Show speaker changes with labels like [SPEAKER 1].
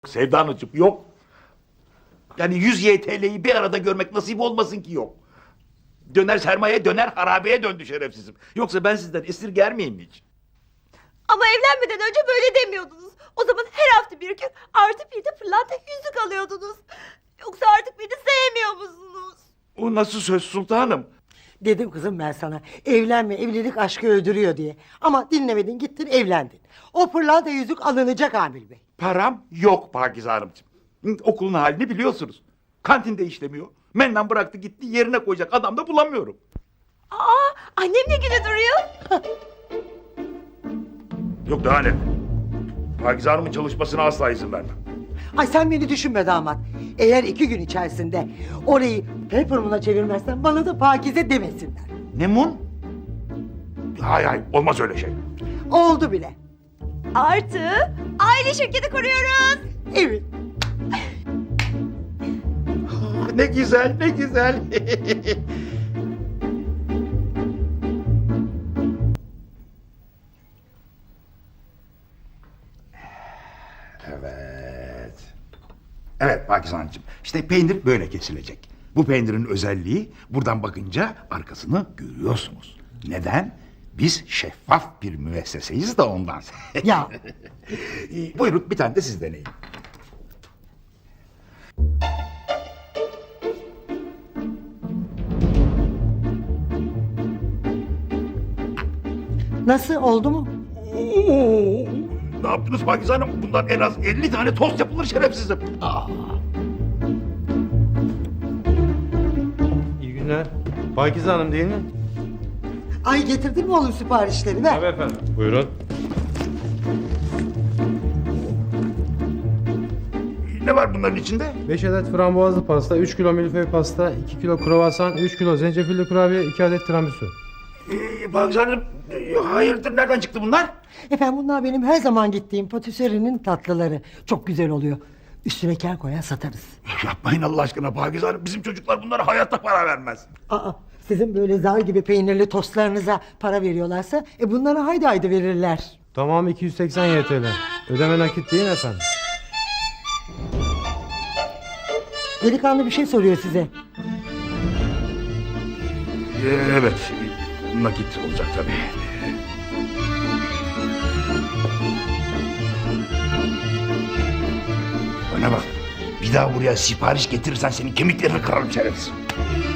[SPEAKER 1] Sevda Hanımcığım yok. Yani 100 YTL'yi bir arada görmek nasip olmasın ki yok. Döner sermaye döner harabeye döndü şerefsizim. Yoksa ben sizden esirger miyim hiç?
[SPEAKER 2] Ama evlenmeden önce böyle demiyordunuz. O zaman her hafta bir gün artı bir de pırlanta yüzük alıyordunuz. Yoksa artık beni sevmiyor musunuz?
[SPEAKER 1] O nasıl söz sultanım?
[SPEAKER 3] Dedim kızım ben sana evlenme, evlilik aşkı öldürüyor diye. Ama dinlemedin, gittin evlendin. O pırlanta yüzük alınacak Amil Bey.
[SPEAKER 1] Param yok Pakize Hanımcığım. Okulun halini biliyorsunuz. Kantinde işlemiyor. Mennan bıraktı gitti, yerine koyacak adam da bulamıyorum.
[SPEAKER 2] Aa, annem ne güne duruyor?
[SPEAKER 1] Yok daha ne? Pakize Hanım'ın çalışmasına asla izin vermem.
[SPEAKER 3] Ay sen beni düşünme damat. Eğer 2 gün içerisinde orayı Peppermoon'a çevirmezsen bana da Pakize demesinler.
[SPEAKER 1] Ne mun? Hay olmaz öyle şey.
[SPEAKER 3] Oldu bile.
[SPEAKER 2] Artı aile şirketi kuruyoruz.
[SPEAKER 3] Evet.
[SPEAKER 1] Ne güzel, ne güzel. Evet. Evet Pakize Hanımcığım. İşte peynir böyle kesilecek. Bu peynirin özelliği buradan bakınca arkasını görüyorsunuz. Neden? Biz şeffaf bir müesseseyiz da ondan.
[SPEAKER 3] Ya.
[SPEAKER 1] Buyurun bir tane de siz deneyin.
[SPEAKER 3] Nasıl, oldu mu?
[SPEAKER 1] Oo, ne yaptınız Pakize Hanım? Bundan en az 50 tane tost yapılır şerefsizim.
[SPEAKER 4] İyi günler. Pakize Hanım değil mi?
[SPEAKER 3] Ay getirdin mi oğlum siparişleri? Ver.
[SPEAKER 4] Tabii efendim. Buyurun.
[SPEAKER 1] Ne var bunların içinde?
[SPEAKER 4] 5 adet frambuazlı pasta, 3 kilo milföy pasta, 2 kilo kruvasan, 3 kilo zencefilli kurabiye, 2 adet tiramisu.
[SPEAKER 1] Pakize Hanım, hayırdır nereden çıktı bunlar?
[SPEAKER 3] Efendim bunlar benim her zaman gittiğim patisserinin tatlıları. Çok güzel oluyor. Üstüne ker koyar satarız.
[SPEAKER 1] Yapmayın Allah aşkına Pakize Hanım. Bizim çocuklar bunlara hayatta para vermez.
[SPEAKER 3] Aa, sizin böyle zar gibi peynirli tostlarınıza para veriyorlarsa bunlara haydi haydi verirler.
[SPEAKER 4] Tamam 280 YTL. Ödeme nakit değil efendim.
[SPEAKER 3] Delikanlı bir şey soruyor size.
[SPEAKER 1] Evet, nakit olacak tabii. Bana bak, bir daha buraya sipariş getirirsen senin kemiklerini kırarım şerefsiz.